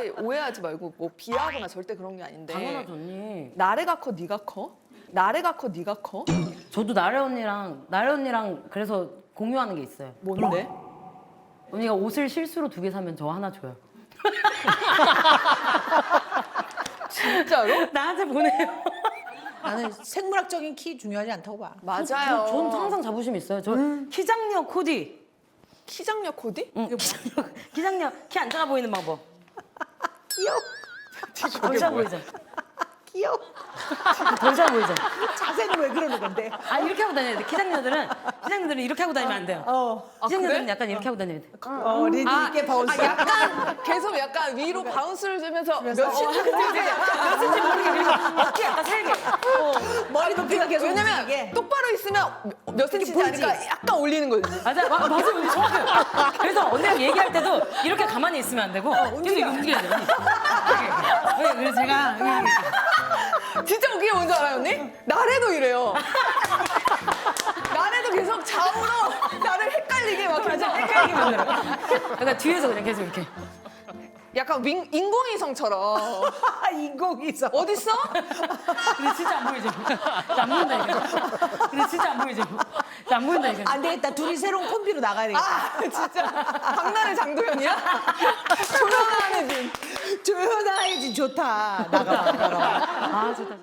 절대 오해하지 말고 뭐 비하하거나 절대 그런 게 아닌데. 당연하죠 언니. 나래가 커 네가 커? 나래가 커 네가 커? 저도 나래 언니랑 그래서 공유하는 게 있어요. 뭔데? 언니가 옷을 실수로 2개 사면 저 하나 줘요. 진짜로? 나한테 보내요. 나는 생물학적인 키 중요하지 않다고 봐. 맞아요. 전 항상 자부심 있어요. 저 키장력 코디. 키장력 코디? 응. 키장력 키 안 작아 보이는 방법. 귀여워. 덜 작아 보이죠? 귀여워. 덜 작아 보이죠? 자세는 왜 그러는 건데? 아 이렇게 하고 다녀야 돼. 키장녀들은 이렇게 하고 다니면 안 돼요. 키장녀들은 그래? 약간 이렇게 하고 다녀야 돼. 리듬 있게 바운스. 약간 계속 약간 위로 바운스를 주면서 몇 몇 센치 모르게 밀고 어깨 약간 살게. 머리 높이가 계속 왜냐면 움직이게. 똑바로 있으면 몇 센치인지 보이지? 아니까 약간 올리는 거지. 맞아, 맞아, 언니 정확해요. 그래서 언니랑 얘기할 때도 이렇게 가만히 있으면 안 되고 계속 이렇게 움직여야 돼요. 언니. 이렇게. 그래서 제가 진짜 웃긴 게 뭔지 알아요, 언니? 나래도 이래요. 나래도 계속 좌우로 나를 헷갈리게 막 계속 헷갈리게 만들어. 그러니까 뒤에서 그냥 계속 이렇게. 약간 인공위성처럼. 인공위성. 어딨어? 근데 진짜 안 보이죠? 안 보인다 이거. 근데 진짜 안 보이죠? 안 보인다 이거. 안 되겠다. 둘이 새로운 콤비로 나가야 되겠다. 아, 진짜. 박나래 장도연이야? 조용한 애진. 조연아이지 좋다. 나가. 아 좋다.